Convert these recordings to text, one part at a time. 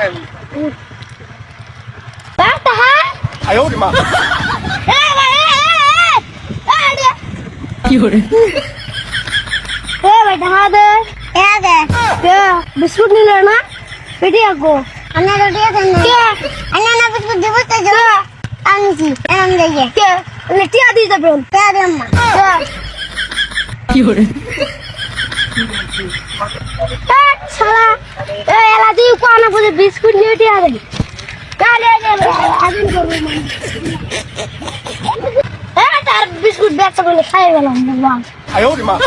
Basta ha? 哎呦我的妈！ 有人。बेटा हाँ दे क्या biscuit नहीं लेना बेटी आपको अन्ना रोटी क्या अन्ना ना बिस्कुट दे बस जो आनी हम जाइए क्या लेटी आती है तो क्या दे अम्मा क्या क्यों रे साला ए लादी को आना मुझे बिस्कुट लेटी आ रही क्या ले आदमी को ए तार बिस्कुट बैग से बोले खाएगा ना 哎呦我的妈！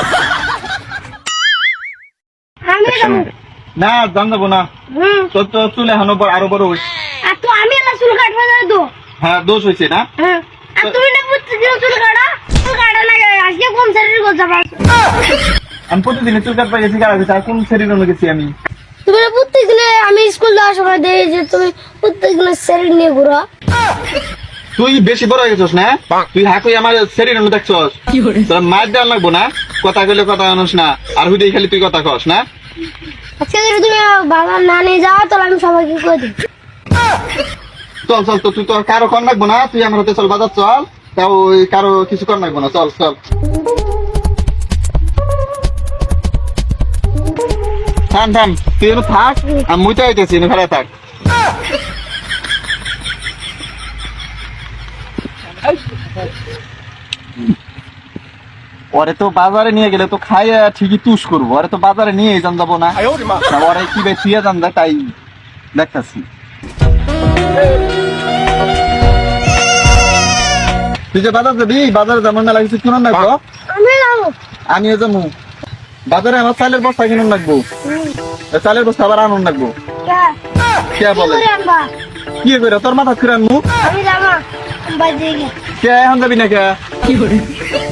না জান যাবো না তোর তো চুল এখনো আরো বড় হয়েছে আর তো আমি না চুল কাটবো না তো হ্যাঁ দোষ হয়েছে না আর তুমি না প্রতিদিন চুল কাটা না আজকে কোন শরীর করতে পারছো আমি প্রতিদিন চুল কাটতে গেছি আর কোন শরীরে গেছি আমি তুমি না প্রত্যেকদিন আমি স্কুল যাওয়ার সময় দেখি যে তুমি প্রত্যেকদিন শরীর নিয়ে ঘুরো তুই বেশি বড় হয়ে গেছিস না তুই হাকুই আমার শরীরে দেখছস তোর মার দেওয়া লাগবো না কথা কইলে কথা আনস না আর হুদেই খালি তুই কথা কস না আজকে যদি তুমি বাবার না নিয়ে যাও তাহলে আমি সবাইকে কই দিই চল চল তো তুই তো কারো কর লাগবো না তুই আমার হাতে চল বাজার চল তাও ওই কারো কিছু কর লাগবো না চল চল থাম থাম তুই এনে থাক আমি মুইতে আইতেছি এনে ঘরে থাক ওরে তো বাজারে নিয়ে গেলে তো খাইয়া ঠিকই তুষ করবো ওরে তো বাজারে নিয়ে যান যাবো না ওরে কি বেশিয়ে যান যায় তাই দেখতেছি তুই যে বাজার যাবি বাজারে যেমন মেলা কিছু কিনুন লাগবো আমিও যাবো বাজারে আমার চালের বস্তা কিনুন লাগবো চালের বস্তা আবার আনুন লাগবো কে বলে কি করে তোর মাথা খুঁড়ে আনমু কে এখন যাবি না কে